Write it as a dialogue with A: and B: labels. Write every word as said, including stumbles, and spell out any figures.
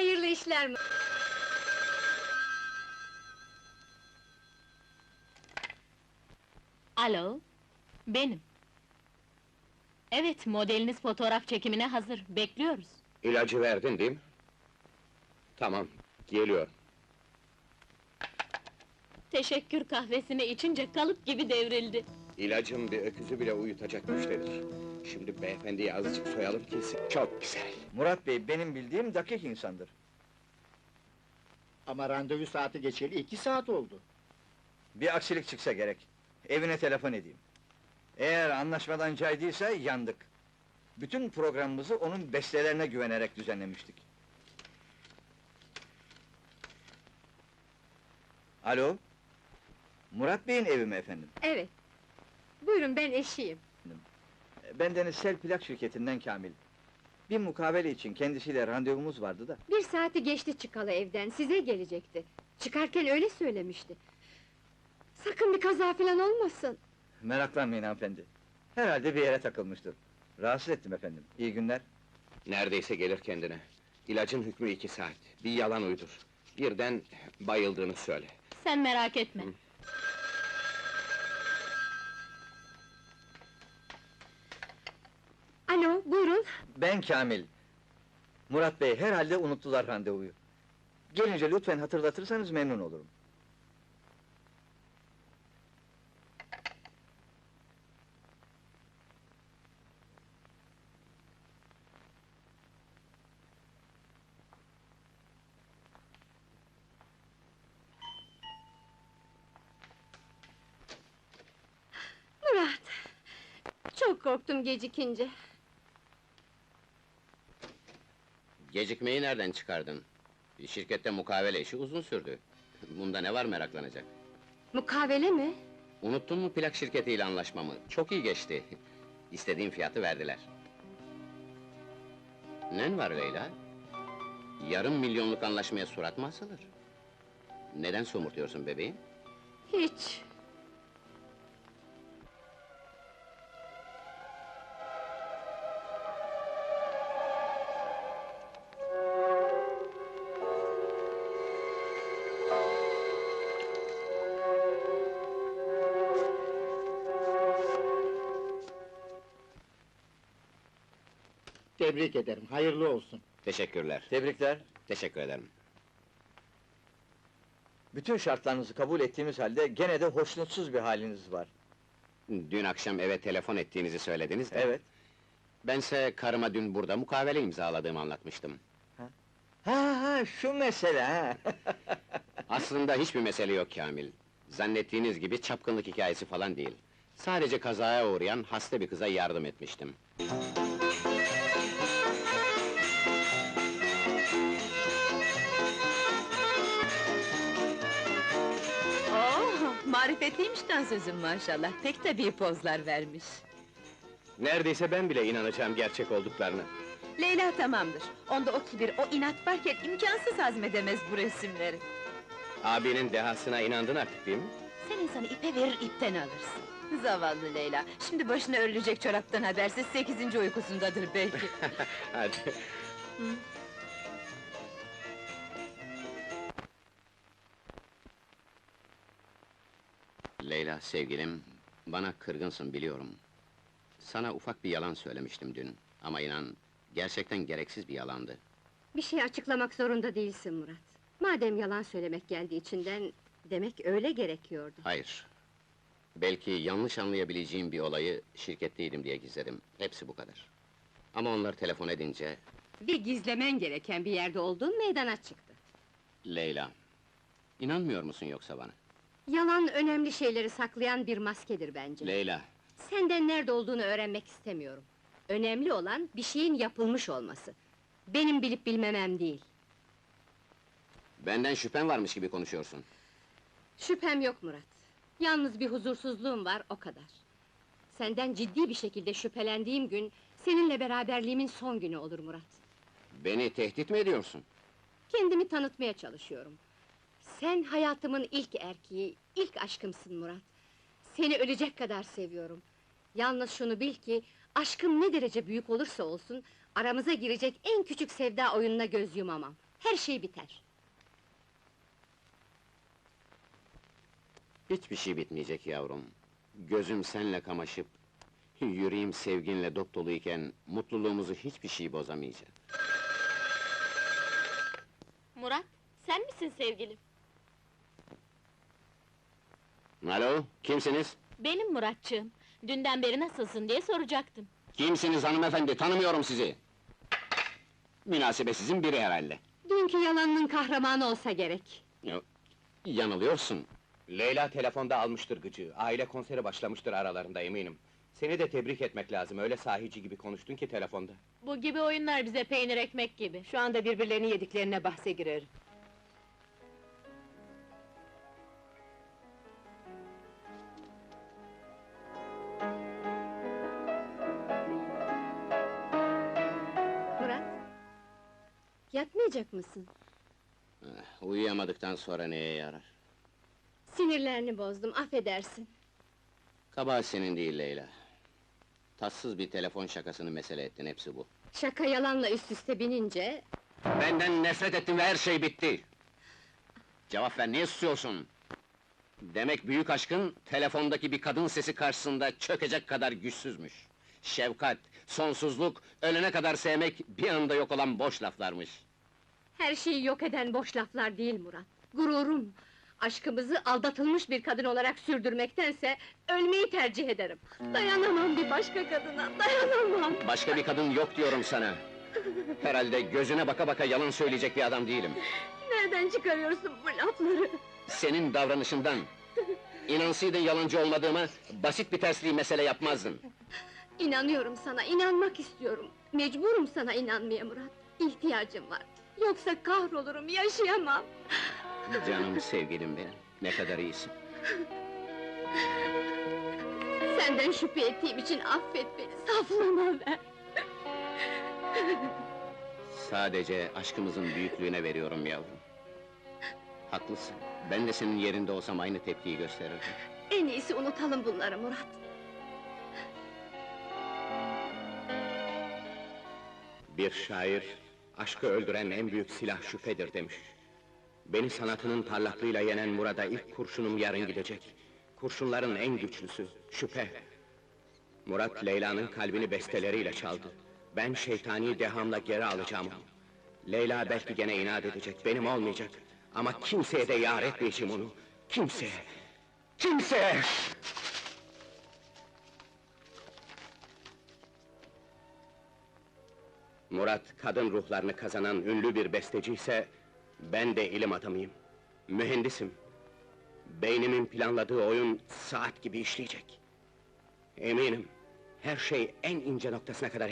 A: Hayırlı işler mi?
B: Alo, benim. Evet, modeliniz fotoğraf çekimine hazır, bekliyoruz.
C: İlacı verdin değil mi? Tamam, geliyor.
B: Teşekkür kahvesini içince kalıp gibi devrildi.
C: İlacım bir öküzü bile uyutacak güçtedir. Şimdi beyefendiyi azıcık soyalım ki... Çok güzel!
D: Murat Bey, benim bildiğim dakik insandır.
E: Ama randevu saati geçeli iki saat oldu.
D: Bir aksilik çıksa gerek. Evine telefon edeyim. Eğer anlaşmadan caydıysa yandık. Bütün programımızı onun bestelerine güvenerek düzenlemiştik. Alo? Murat Bey'in evi mi efendim?
A: Evet. Buyurun, ben eşiyim.
D: Bendeniz Sel Plak şirketinden Kamil. Bir mukavele için kendisiyle randevumuz vardı da.
A: Bir saati geçti çıkalı evden, size gelecekti. Çıkarken öyle söylemişti. Sakın bir kaza falan olmasın.
D: Meraklanmayın hanımefendi. Herhalde bir yere takılmıştır. Rahatsız ettim efendim. İyi günler.
C: Neredeyse gelir kendine. İlacın hükmü iki saat. Bir yalan uydur. Birden bayıldığını söyle.
B: Sen merak etme.
C: Hı.
A: Alo, buyurun.
D: Ben Kamil. Murat Bey herhalde unuttular randevuyu. Gelince lütfen hatırlatırsanız memnun olurum.
A: Murat! Çok korktum gecikince.
C: Gecikmeyi nereden çıkardın? Şirkette mukavele işi uzun sürdü. Bunda ne var meraklanacak?
A: Mukavele mi?
C: Unuttun mu plak şirketiyle anlaşmamı? Çok iyi geçti. İstediğim fiyatı verdiler. Nen var Leyla? Yarım milyonluk anlaşmaya surat mı asılır? Neden somurtuyorsun bebeğim?
A: Hiç.
E: Tebrik ederim, hayırlı olsun.
C: Teşekkürler.
D: Tebrikler.
C: Teşekkür ederim.
D: Bütün şartlarınızı kabul ettiğimiz halde gene de hoşnutsuz bir haliniz var.
C: Dün akşam eve telefon ettiğinizi söylediniz de...
D: Evet.
C: Bense karıma dün burada mukavele imzaladığımı anlatmıştım.
D: Ha ha, şu mesele ha.
C: Aslında hiçbir mesele yok Kamil. Zannettiğiniz gibi çapkınlık hikayesi falan değil. Sadece kazaya uğrayan hasta bir kıza yardım etmiştim.
F: Oo, marifetliymişten sözüm maşallah, pek tabii pozlar vermiş.
C: Neredeyse ben bile inanacağım gerçek olduklarına.
F: Leyla tamamdır, onda o kibir, o inat varken imkansız hazmedemez bu resimleri.
C: Abinin dehasına inandın artık değil mi?
F: Sen insanı ipe verir, ipten alırsın. Zavallı Leyla, şimdi başına örülecek çoraptan habersiz sekizinci uykusundadır belki.
C: Hadi. Leyla sevgilim, bana kırgınsın biliyorum. Sana ufak bir yalan söylemiştim dün. Ama inan, gerçekten gereksiz bir yalandı.
A: Bir şey açıklamak zorunda değilsin Murat. Madem yalan söylemek geldi içinden, demek öyle gerekiyordu.
C: Hayır. Belki yanlış anlayabileceğim bir olayı şirketteydim diye gizledim. Hepsi bu kadar. Ama onlar telefon edince...
A: Bir gizlemen gereken bir yerde olduğun meydana çıktı.
C: Leyla, inanmıyor musun yoksa bana?
A: Yalan önemli şeyleri saklayan bir maskedir bence.
C: Leyla,
A: Senden nerede olduğunu öğrenmek istemiyorum. Önemli olan bir şeyin yapılmış olması. Benim bilip bilmemem değil.
C: benden şüphen varmış gibi konuşuyorsun.
A: Şüphem yok Murat. Yalnız bir huzursuzluğum var, o kadar. Senden ciddi bir şekilde şüphelendiğim gün... ...seninle beraberliğimin son günü olur Murat.
C: Beni tehdit mi ediyorsun?
A: Kendimi tanıtmaya çalışıyorum. Sen hayatımın ilk erkeği, ilk aşkımsın Murat. Seni ölecek kadar seviyorum. Yalnız şunu bil ki, aşkım ne derece büyük olursa olsun... ...aramıza girecek en küçük sevda oyununa göz yumamam. her şey biter.
C: Hiçbir şey bitmeyecek yavrum. Gözüm senle kamaşıp, yüreğim sevginle dop doluyken, mutluluğumuzu hiçbir şey bozamayacak.
B: Murat, sen misin sevgilim?
C: Alo, kimsiniz?
B: Benim Muratçığım. Dünden beri nasılsın diye soracaktım.
C: Kimsiniz hanımefendi, tanımıyorum sizi! Münasebetsizin biri herhalde.
A: Dünkü yalanının kahramanı olsa gerek.
C: Yo, yanılıyorsun. Leyla telefonda almıştır gıcığı, aile konseri başlamıştır aralarında eminim. Seni de tebrik etmek lazım, öyle sahici gibi konuştun ki telefonda.
B: Bu gibi oyunlar bize peynir ekmek gibi.
F: Şu anda birbirlerini yediklerine bahse girer.
A: Murat, yatmayacak mısın?
C: Eh, Uyuyamadıktan sonra neye yarar?
A: Sinirlerini bozdum, affedersin.
C: Kabahat senin değil Leyla. Tatsız bir telefon şakasını mesele ettin, hepsi bu.
A: Şaka yalanla üst üste binince...
C: Benden nefret ettin ve her şey bitti! Cevap ver, niye susuyorsun? Demek büyük aşkın, telefondaki bir kadın sesi karşısında çökecek kadar güçsüzmüş. Şefkat, sonsuzluk, ölene kadar sevmek, bir anda yok olan boş laflarmış.
A: Her şeyi yok eden boş laflar değil Murat. Gururum! Aşkımızı aldatılmış bir kadın olarak sürdürmektense... ...ölmeyi tercih ederim. Dayanamam bir başka kadına, dayanamam!
C: Başka bir kadın yok diyorum sana! Herhalde gözüne baka baka yalan söyleyecek bir adam değilim.
A: Nereden çıkarıyorsun bu lafları?
C: Senin davranışından! İnansaydın yalancı olmadığıma, basit bir tersliği mesele yapmazdın.
A: İnanıyorum sana, inanmak istiyorum. Mecburum sana inanmaya Murat. İhtiyacım var. Yoksa kahrolurum, yaşayamam.
C: Canım sevgilim benim, ne kadar iyisin.
A: Senden şüphe ettiğim için affet beni, saflığıma ver.
C: Sadece aşkımızın büyüklüğüne veriyorum yavrum. Haklısın, ben de senin yerinde olsam aynı tepkiyi gösterirdim.
A: En iyisi unutalım bunları Murat.
C: Bir şair, aşkı öldüren en büyük silah şüphedir demiş. Beni sanatının parlaklığıyla yenen Murat'a ilk kurşunum yarın gidecek. Kurşunların en güçlüsü, şüphe. Murat, Leyla'nın kalbini besteleriyle çaldı. Ben şeytani dehamla geri alacağım onu. Leyla belki gene inat edecek, benim olmayacak. Ama kimseye de yar etmeyeceğim onu. Kimseye! Kimseye! Murat, kadın ruhlarını kazanan ünlü bir besteci ise... ...ben de ilim adamıyım. Mühendisim. Beynimin planladığı oyun saat gibi işleyecek. Eminim, her şey en ince noktasına kadar